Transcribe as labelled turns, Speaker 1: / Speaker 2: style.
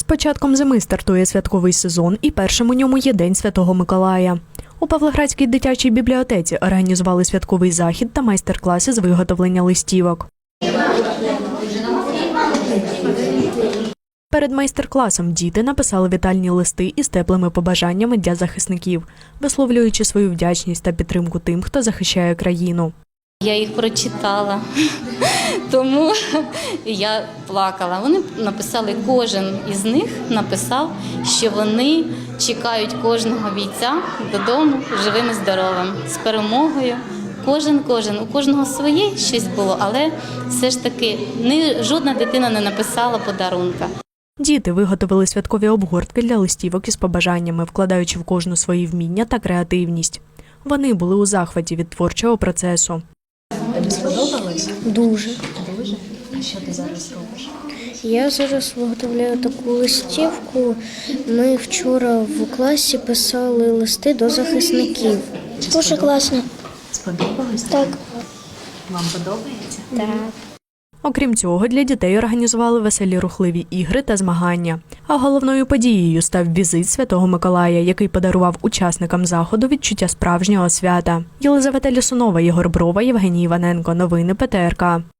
Speaker 1: початком зими стартує святковий сезон, і першим у ньому є День Святого Миколая. У Павлоградській дитячій бібліотеці організували святковий захід та майстер-класи з виготовлення листівок. Перед майстер-класом діти написали вітальні листи із теплими побажаннями для захисників, висловлюючи свою вдячність та підтримку тим, хто захищає країну.
Speaker 2: Я їх прочитала, тому я плакала. Вони написали, кожен із них написав, що вони чекають кожного бійця додому живим і здоровим, з перемогою. Кожен, у кожного своє щось було, але все ж таки жодна дитина не написала подарунка.
Speaker 1: Діти виготовили святкові обгортки для листівок із побажаннями, вкладаючи в кожну свої вміння та креативність. Вони були у захваті від творчого процесу.
Speaker 3: Тобі сподобалось?
Speaker 4: Дуже.
Speaker 3: Дуже? А що ти зараз робиш?
Speaker 4: Я зараз виготовляю таку листівку. Ми вчора в класі писали листи до захисників. Дуже класно.
Speaker 3: Сподобалось?
Speaker 4: Так.
Speaker 3: Вам подобається?
Speaker 4: Так.
Speaker 1: Окрім цього, для дітей організували веселі рухливі ігри та змагання. А головною подією став візит Святого Миколая, який подарував учасникам заходу відчуття справжнього свята. Єлизавета Лісунова, Єгор Брова, Євгеній Іваненко. Новини ПТРК.